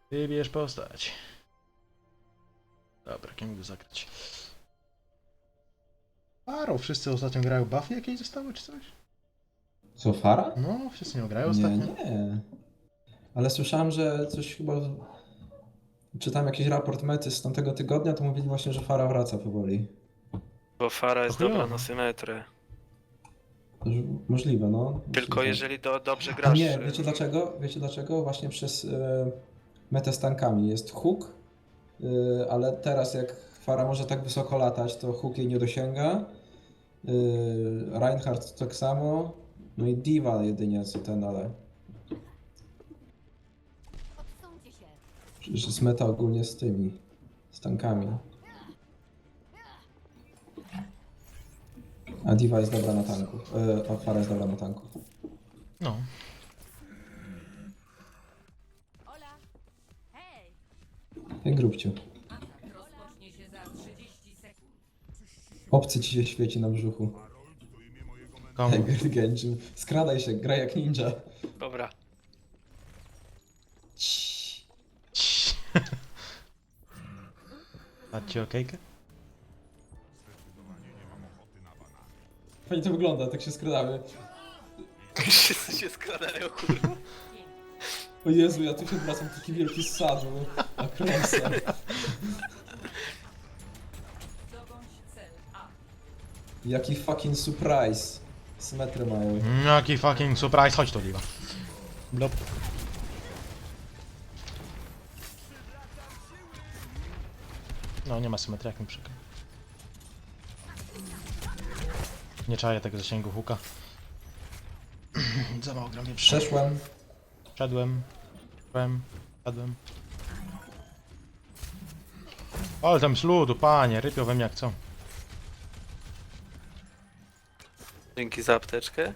Wybierz postać. Dobra, kim go zagrać? Faro, wszyscy ostatnio grają. Buffy jakieś zostały czy coś? Co, Fara? No, wszyscy nie grają Nie, ostatnio. nie. Ale słyszałem, że coś chyba... Czytam jakiś raport mety z tamtego tygodnia, to mówili właśnie, że Fara wraca powoli. Bo Fara jest chujowo. dobra na symetrę. To już możliwe, no. Tylko Myślę, że- jeżeli dobrze A grasz. nie, wiecie dlaczego? Wiecie dlaczego? Właśnie przez metę z tankami. Jest hook, ale teraz jak Fara może tak wysoko latać, to hook jej nie dosięga. Reinhardt tak samo. No i Diva jedynie co ten, ale... Odsuńcie się. Przecież jest meta ogólnie z tymi, z tankami. A Diva jest dobra na tanku. A Fara jest dobra na tanku. No. Ola! Hej! Jak grubciu. Rozpocznie się za 30 sekund. Obcy ci się świeci na brzuchu. Komu? Tiger Genjin. Skradaj się, graj jak ninja. Dobra. Ciii. Cii. Macie okejkę? Fajnie to wygląda, tak się skradamy. Wszyscy się skradają, kurwa. O Jezu, ja tu się wracam taki wielki sadł. A kręsę. Zdobądź cel A. Jaki fucking surprise. Symetrę mają. Jaki fucking surprise, chodź tu, Liwa. Blop. No, nie ma symetrii, jak mi przykro. Nie czaję tego zasięgu huka. Za mało gram nie Przeszłem. Wszedłem. Wszedłem. Ale tam z ludu, panie, rypią we mnie jak chcą. Dzięki za apteczkę.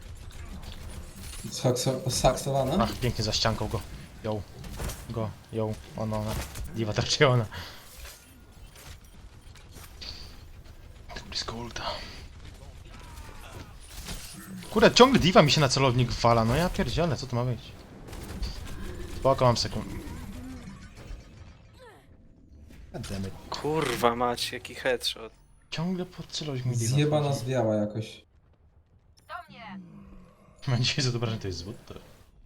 Saksowana? Ach, pięknie za ścianką go. Ją. Ona. Diwa traciona. Tak blisko ulta. Kurde, ciągle diwa mi się na celownik wala, no ja pierdzielę, co to ma być? Spoko, mam sekund. Goddammit. Kurwa mać, jaki headshot. Ciągle pod celownik mi diwa Zjebana wchodzi. zwiała jakoś. Do mnie! Mam dzisiaj zobaczenie, to jest zwód, to...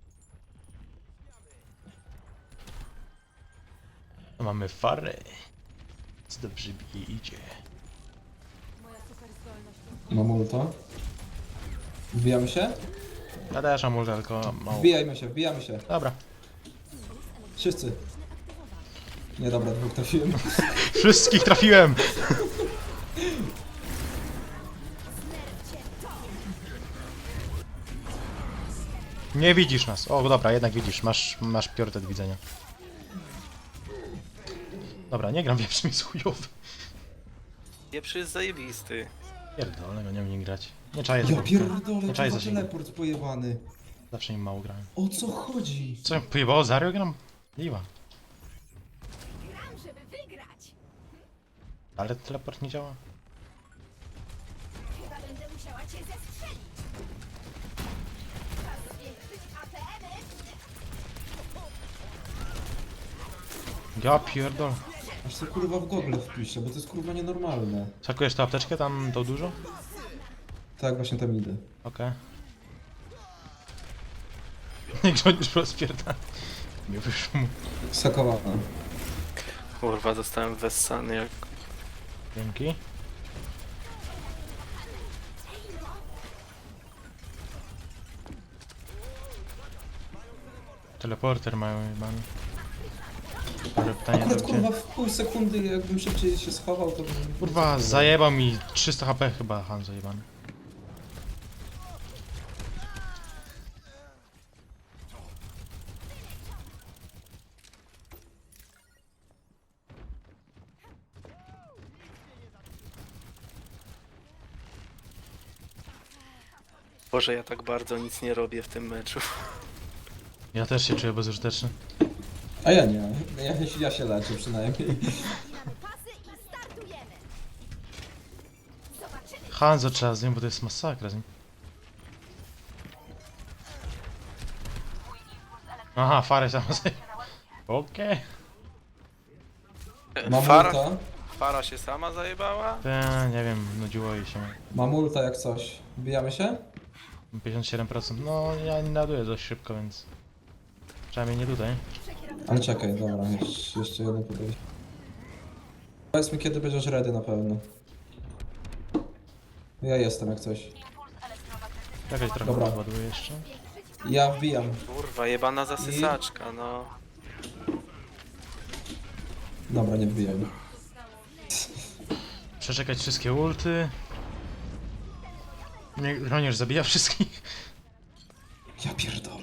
A mamy farę. Co dobrze idzie. Moja super zdolność. Mam ulta. Wbijamy się? Ja też mam ulta, tylko mało. Wbijamy się. Dobra. Wszyscy. Nie, dobra, dwóch trafiłem. Wszystkich trafiłem! Nie widzisz nas. O, dobra, jednak widzisz. Masz priorytet widzenia. Dobra, nie gram wieprzem, jest chujowy. Pieprzy jest zajebisty. Pierdolę, go nie umiem grać. Nie czaję Ja tego. pierdolę, Nie czaję to zasięgu. teleport pojebany. Zawsze im mało grałem. O co chodzi? Co, pojebało Zario gram? Liwa. Gram, żeby wygrać! Ale teleport nie działa. Chyba będę musiała cię zestrzelić! Czas zwiększyć APM-y! Ja pierdol. Aż sobie kurwa w gogle wpiszę, bo to jest kurwa nienormalne. Sakujesz tę apteczkę tam tą dużo? Tak, właśnie tam idę. Okej. Nie rządzisz po spierdolę. Nie wyszło mu. Sakowana. Kurwa, dostałem wessany jak... Dzięki. Teleporter mają jebany. Dobre pytanie Akurat to gdzie? kurwa w pół sekundy jakbym szybciej się schował, to bym... Kurwa, zajebał mi 300 HP chyba Han zajebany. Boże, ja tak bardzo nic nie robię w tym meczu. Ja też się czuję bezużyteczny. A ja nie. Ja się leczę przynajmniej. Zmieniamy pasy i startujemy! Zobaczymy! Hanzo trzeba z nim, bo to jest masakra z nim. Aha, Fares tam. Okej. Mam Fara, ulta. Fara się sama zajebała? Nie wiem, nudziło jej się. Mam ulta jak coś. Wbijamy się? 57%. No, ja nie naduję dość szybko, więc... Przynajmniej nie tutaj. Ale czekaj, dobra, jeszcze jedno podejście. Powiedz mi, kiedy będziesz ready na pewno. Ja jestem jak coś. Jakaś trochę Dobra. rozładuję jeszcze. Ja wbijam. Kurwa, jebana zasysaczka, no. Dobra, nie wbijam. Przeczekać wszystkie ulty. Nie, Chroniarz zabija wszystkich. Ja pierdolę.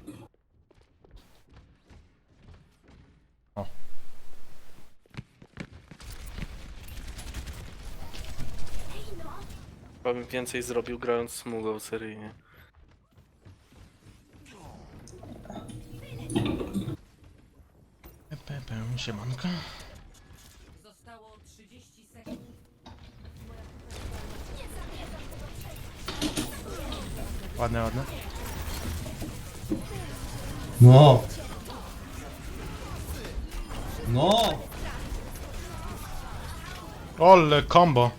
O. Chyba bym więcej zrobił grając smugą seryjnie. Siemanko. Zostało 30 sekund. Ładne, ładne. No! No! Ole, combo.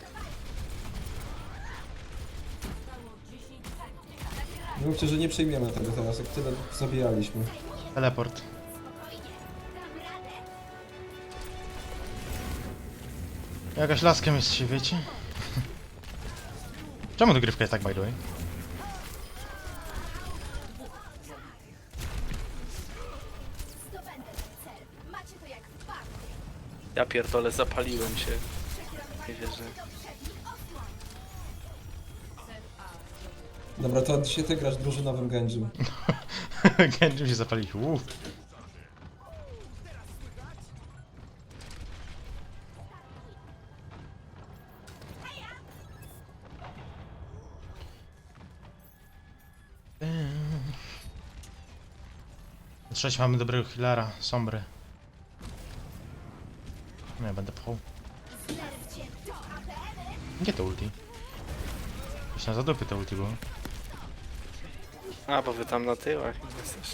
Mówcie, że nie przyjmiemy tego teraz, jak tyle zabijaliśmy. Teleport. Jakaś laskiem jest się, wiecie? Czemu dogrywka jest tak, by the way? Zdobędę ten cel. Macie to jak w parku. Ja pierdolę, zapaliłem się. Nie wierzę. Dobra, to dzisiaj ty grasz drużynowym Genjim. Genji się zapalił. Trzeć mamy dobrego healera, Sombry. Nie, będę pchał. Gdzie to ulti? Już na zadupy to ulti było. A, bo wy tam na tyłach jesteś.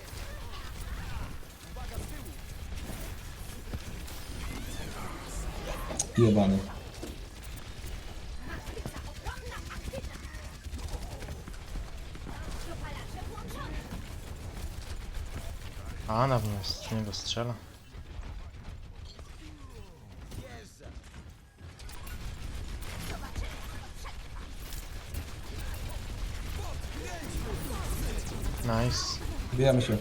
Jebany. A, na mnie z niego strzela. Nice. Bijamy się.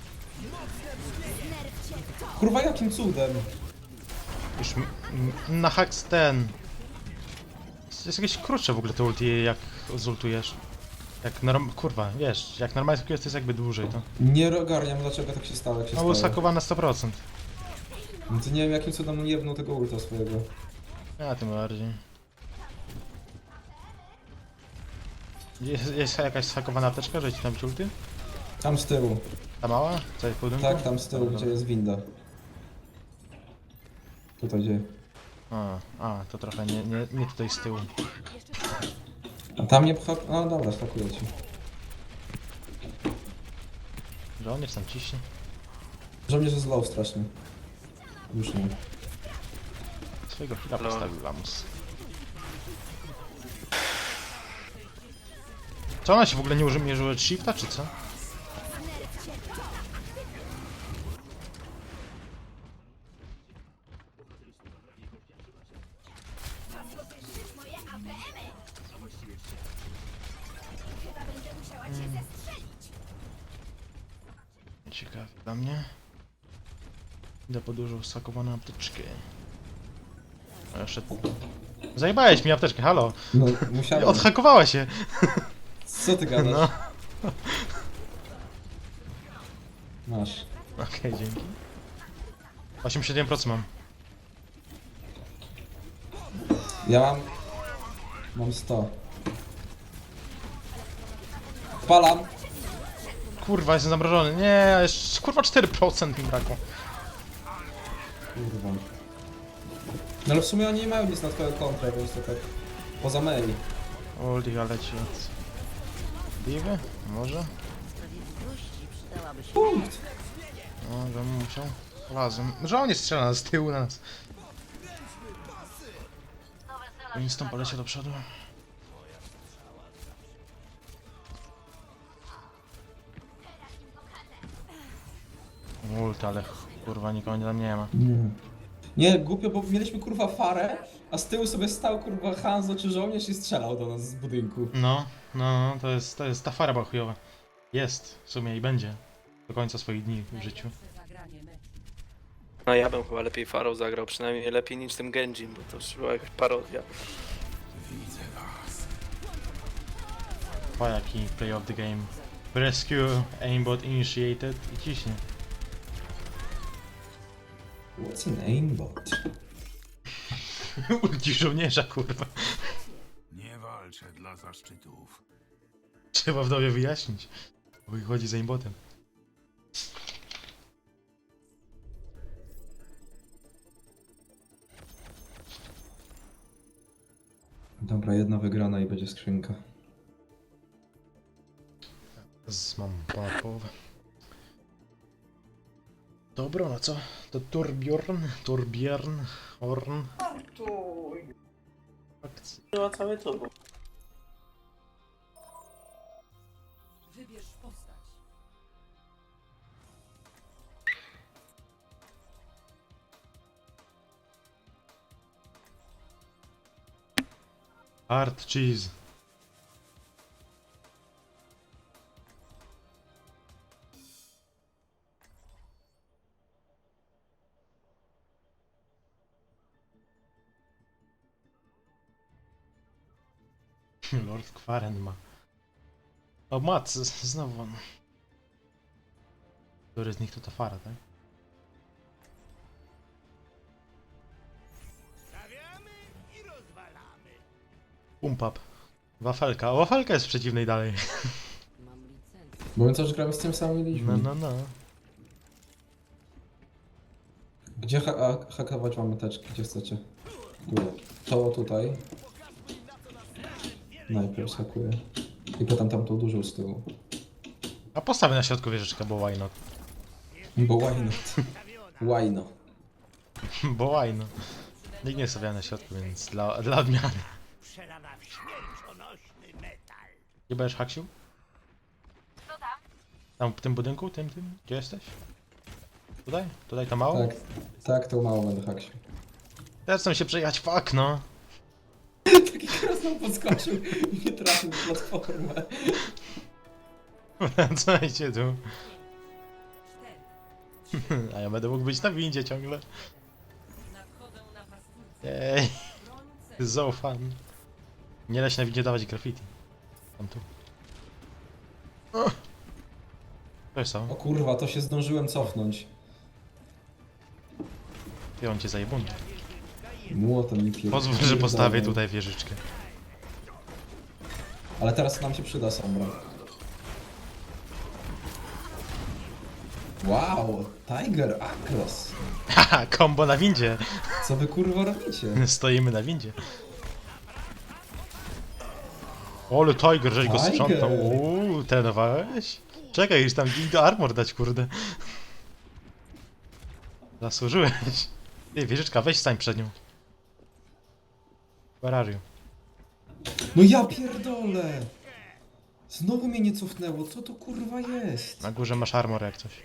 Kurwa, jakim cudem? Już na haks ten. Jest jakieś krótsze w ogóle te ulti, jak zultujesz. Jak kurwa, wiesz, jak normalnie jest, to jest jakby dłużej to. Nie ogarniam, dlaczego tak się stało, jak się No był stało. sakowany na 100%. No to nie wiem, jakim cudem on jebnął tego ulta swojego. Ja tym bardziej. Jest jakaś sfakowana apteczka, że ci tam ulty? Tam z tyłu. Ta mała? Co jest w budynku? Tak, tam z tyłu, Dobra, gdzie jest winda. Tutaj gdzie? to trochę nie tutaj z tyłu. A tam nie pcha... No dobra, spakuję ci. Że on jest tam ciśnie. Żołnierz jest low strasznie. Już nie. Swojego chwila Lol. postawił Lamus. Co ona się w ogóle nie używa shifta, czy co? Moje APM-y. Chyba będę musiała cię zestrzelić. Ciekawe dla mnie. Idę po dużą sakowaną apteczkę. A jeszcze... Zajebałeś mi apteczkę, halo! No, musiałem. Odhakowała się! Co ty gadasz? No. Masz. Okej, dzięki. 87% mam. Ja mam... Mam 100. Palam! Kurwa, jestem zamrożony. Nie, jeszcze kurwa 4% mi brakło. Kurwa. No ale w sumie oni nie mają nic na twoją kontrę, więc to tak... Poza mail. Ulti, ale ci od... Diwy? Może? Punkt! No, bym musiał. Razem. Że on nie strzela z tyłu na nas. Winston poleciał do przodu. Ult, ale kurwa nikogo tam nie ma. Nie, głupio, bo mieliśmy kurwa farę, a z tyłu sobie stał kurwa Hanzo czy żołnierz i strzelał do nas z budynku. No, to jest ta fara chujowa. Jest, w sumie i będzie. Do końca swoich dni w życiu. Najlepsze zagranie meczu. No ja bym chyba lepiej Farą zagrał, przynajmniej lepiej niż tym Genjim, bo to już była jakaś parodia. O jaki play of the game. Rescue, aimbot initiated i ciśnie. What's an aimbot? Ulti żołnierza, kurwa. Nie walczę dla zaszczytów. Trzeba wdowie wyjaśnić. Bo ich chodzi za aimbotem. Dobra, jedna wygrana i będzie skrzynka. Mam ponad połowę. Dobra, no co? To Torbjorn, Horn. Wybierz postać. Hard cheese. Lord Kwaren ma. O, Mat, znowu on. Który z nich to ta fara, tak? Pump up. Wafelka. O, wafelka jest w przeciwnej dalej. Mam licencję. Bo my też gramy z tym samym liczbą. No. Gdzie hakować mamy teczki? Gdzie chcecie? Tu. To tutaj. Najpierw hakuję. I potem tamtą dużą z tyłu. A postawię na środku wieżyczkę, bo why not? Bo why not? Why not? Bo why not? Nikt nie stawia na środku, więc dla odmiany. Gdzie będziesz, Haksiu? Tam w tym budynku? Tym? Gdzie jesteś? Tutaj? Tutaj to mało? Tak, to mało będę haksił. Teraz chcę się przejechać, fuck no! Taki teraz nam podskoczył i nie trafił w platformę. Wracajcie tu. 4. A ja będę mógł być na windzie ciągle. Nadchodzę na pastwórce. Jej, Broń cel. to jest so fun. Nie da się na windzie dawać graffiti. Tam tu. To jest to. O kurwa, to się zdążyłem cofnąć. Ty on cię zajebun. Młotem mi pierdolę. Pozwól, że postawię tutaj wieżyczkę. Ale teraz nam się przyda Sombra. Wow, Tiger Across. Haha, combo na windzie. Co wy kurwa robicie? Stoimy na windzie. Ole Tiger, żeś go Tiger. sprzątał. Trenowałeś? Czekaj, już tam do armor dać, kurde. Zasłużyłeś. Ty, wieżyczka, weź stań przed nią. Where are you? No ja pierdolę! Znowu mnie nie cofnęło, co to kurwa jest? Na górze masz armor jak coś.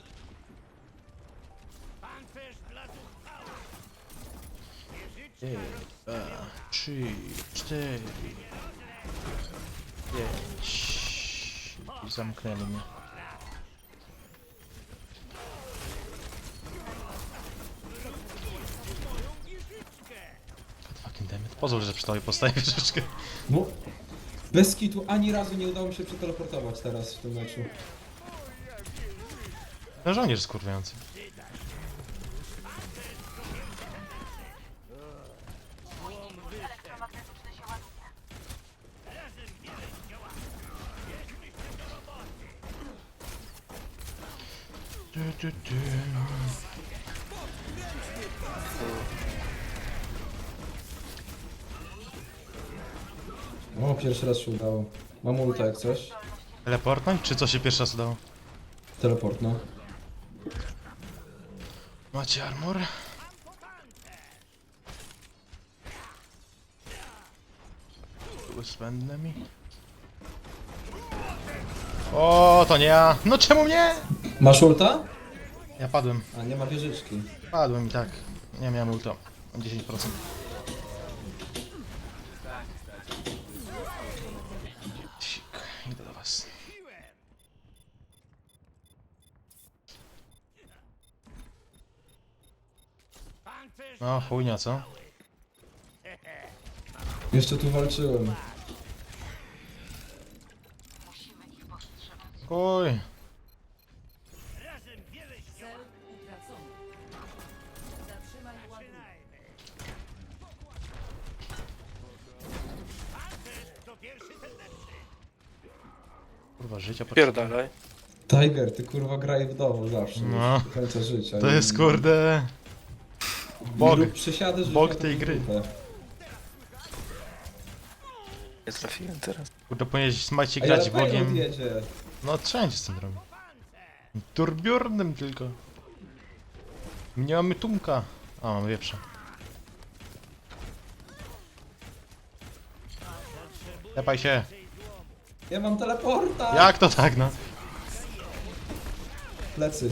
Jeden, dwa, 3, 4, 5. I zamknęli mnie. God fucking damn it. Pozwól, że przy tobie postawię wieżyczkę. No, bez kitu ani razu nie udało mi się przeteleportować teraz w tym meczu. No żołnierz skurwiający. Du. O, pierwszy raz się udało. Mam ulta jak coś. Teleportnąć, czy co się pierwszy raz udało? Teleport, no. Macie armor? Zbędne mi. O, to nie ja. No czemu mnie? Masz ulta? Ja padłem. A nie ma wieżyczki. Padłem i tak. Nie miałem ulta. 10%. Sik, idę do was. No chujnia, co? Jeszcze tu walczyłem. Oj. Cel utracony. Zatrzymaj ładunek. Kurwa, życia Pierdalaj. Tiger, ty kurwa graj w domu zawsze. No. już do końca życia. To jest kurde... Bog. Przysiady, że Bog na tej taką gry. grupę. Nie trafiłem teraz. Kurde, powinieneś smajcie Ej, grać ale Payload Bogiem. jedzie. No wszędzie z tym robię. Turbiurnym tylko. Nie mamy tumka. A, mamy wieprza. Tepaj się. Ja mam teleporta! Jak to tak, no? Plecy.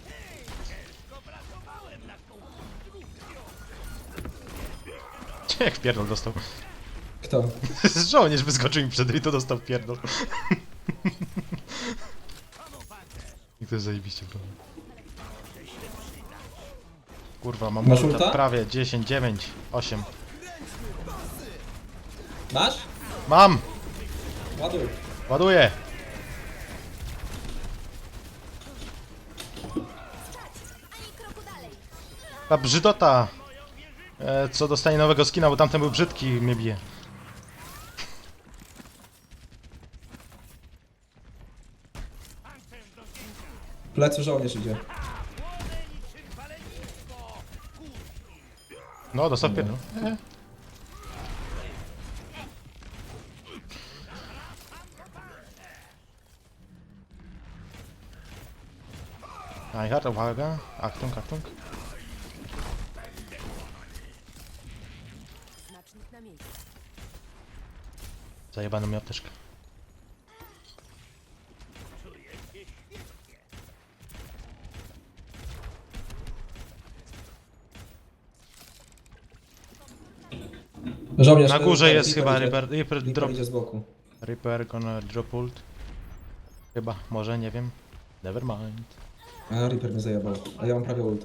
Jak pierdol dostał. Kto? Żołnierz wyskoczył mi przed i to dostał pierdol. I to jest zajebiście, prawda? Kurwa, mam Masz ulta ulta? prawie 10, 9, 8. Masz? Mam! Ładuj. Ładuję! Ani kroku dalej. Ta brzydota! Co dostanie nowego skina, bo tamten był brzydki i mnie bije. Plecy żołnierz idzie. No, dostał pierdol. Reinhardt, uwaga. Achtung, Achtung. Znacznik na miejscu. Zajebano mi apteczkę. Żołnierz. Na górze ten, jest chyba idzie. Reaper drop. idzie z boku. Reaper gonna drop ult. Chyba, może, nie wiem. Never mind. A Reaper mnie zajebał. A ja mam prawie ulta.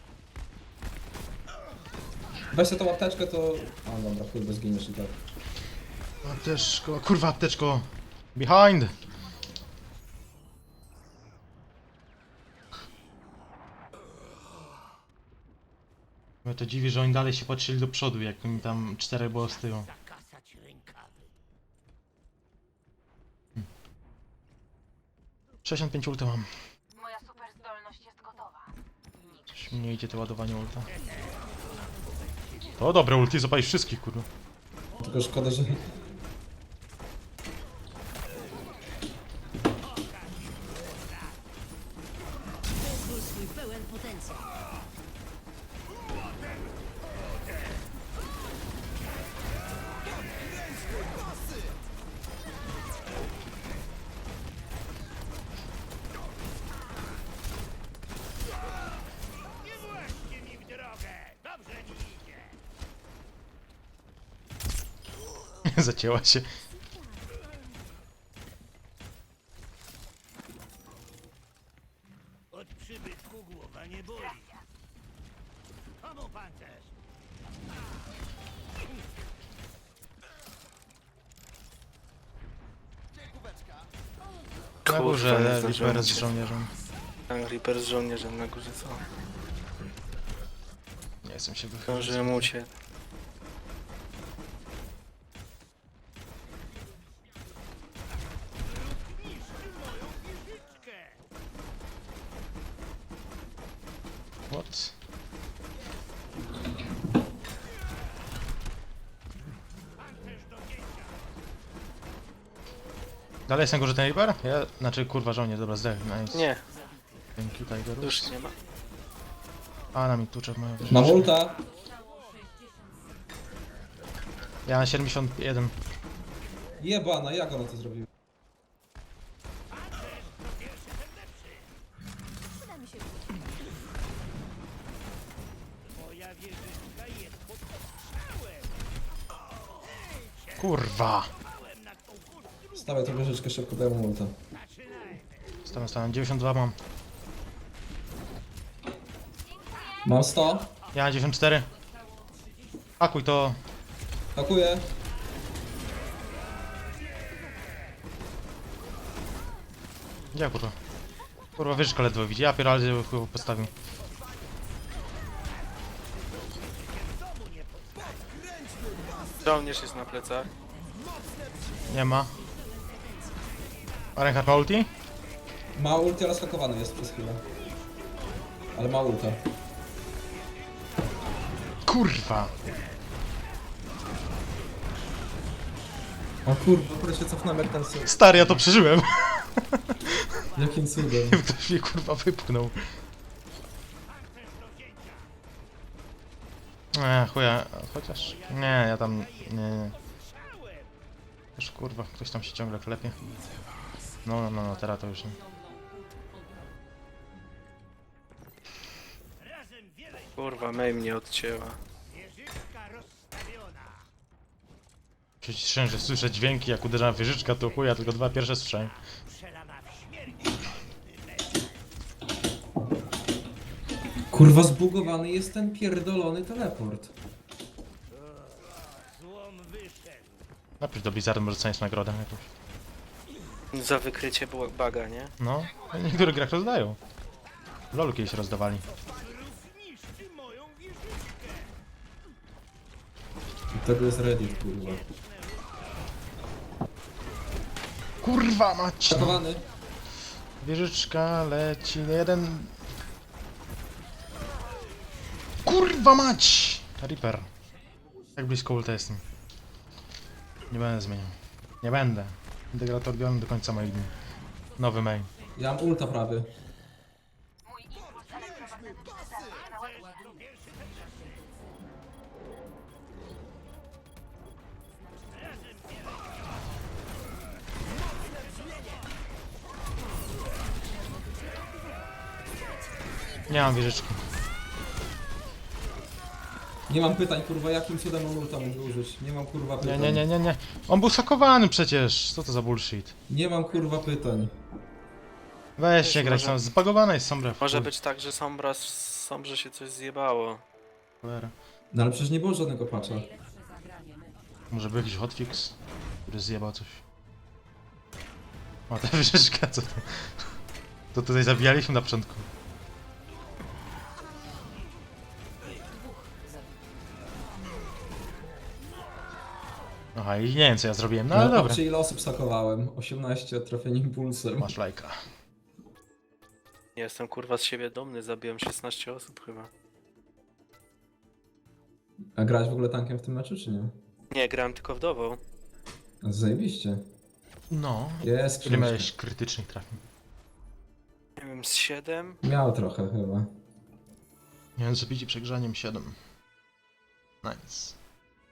Weź sobie tą apteczkę, to... A dobra, chuj, bo zginiesz i tak. Apteczko, kurwa apteczko. Behind! Mnie to dziwi, że oni dalej się patrzyli do przodu, jak mi tam 4 było z tyłu. 65 ulta mam. Moja super zdolność jest gotowa. Coś mi nie idzie to ładowanie ulta. To dobre ulti, zapalisz wszystkich, kurwa. Tylko szkoda, że... Zacięła się. Od przybytku głowa nie boli. Komu pancerz? Na Kurwa, górze nie Reaper zdążyłem z cię. żołnierzem. Tam Reaper z żołnierzem na górze, co? Nie chcę się wychylić. Zdążyłem uciec. What? Dalej jest na górze ten Reaper? Ja, znaczy kurwa żołnierz, dobra, zdech, nice. Nie, Thank you, Tigerus. już nie ma. A, na mi tuczek moja Mam ulta. Ja na 71. Jebana, jak ona to zrobiła? Przyda mi się. Moja wieżyczka jest pod ostrzałem. Kurwa! Byłem nad tą górą. Stawaj tą wieżyczkę, szybko daję mu ulta. Zaczynajmy. Stałem, 92 mam. Mam 100. Ja 94. Akuj to. Hakuję. Gdzie kurwa? Kurwa, wieżyczka ledwo widzi. Ja pierdolę, chuj postawił. Żołnierz jest na plecach. Nie ma. A Reinhardt ma ulti? Ma ulti, ale skakowany jest przez chwilę. Ale ma ulta. Kurwa! O kurwa, akurat się cofnąłem jak ten syn. Stary, ja to przeżyłem! Jakim cudem. Ktoś mnie kurwa wypchnął. Chuja, chociaż... Nie, ja tam... Nie. Już kurwa, ktoś tam się ciągle klepie. No, teraz to już nie. Razem wiele Kurwa, Mei mnie odcięła. wieżyczka rozstawiona. Przecież że słyszę dźwięki, jak uderza wieżyczka, to chuja, tylko dwa pierwsze słyszałem. Przelana w śmierć. Kurwa, zbugowany jest ten pierdolony teleport. Złom wyszedł. Napisz do Blizzardu, może dostaniesz nagrodę jakąś. Za wykrycie baga, nie? No, w niektórych grach rozdają. W LoLu kiedyś rozdawali. Zniszczy moją wieżyczkę. I tego jest Reddit, kurwa. Kurwa mać! No. Skakowany. Wieżyczka leci, jeden... Kurwa mać! Reaper. Jak blisko ulta jestem. Nie będę zmieniał. Nie będę. Integrator biorę do końca moich dni. Nowy main. Ja mam ulta prawie. Nie mam wieżyczki. Nie mam pytań, kurwa, jakim cudem mam ulta mógł użyć. Nie mam kurwa pytań. Nie. On był sakowany przecież. Co to za bullshit? Nie mam kurwa pytań. Weź się grać, może- tam zbagowana jest Sombra. Może być tak, że Sombrze się coś zjebało. Cholera. No ale przecież nie było żadnego patcha. Może był jakiś hotfix, który zjebał coś. O, ta wieżyczka, co to? To tutaj zabijaliśmy na początku. Aha, i nie wiem co ja zrobiłem, no ale dobra. Patrzcie ile osób stakowałem. 18 trafień impulsem. Masz lajka. Jestem kurwa z siebie dumny, zabiłem 16 osób chyba. A grałeś w ogóle tankiem w tym meczu, czy nie? Nie, grałem tylko wdową. Zajebiście. No, Jest ile książka. miałeś krytycznych trafień? Nie wiem, z 7? Miał trochę chyba. Miałem zabici przegrzaniem 7. Nice.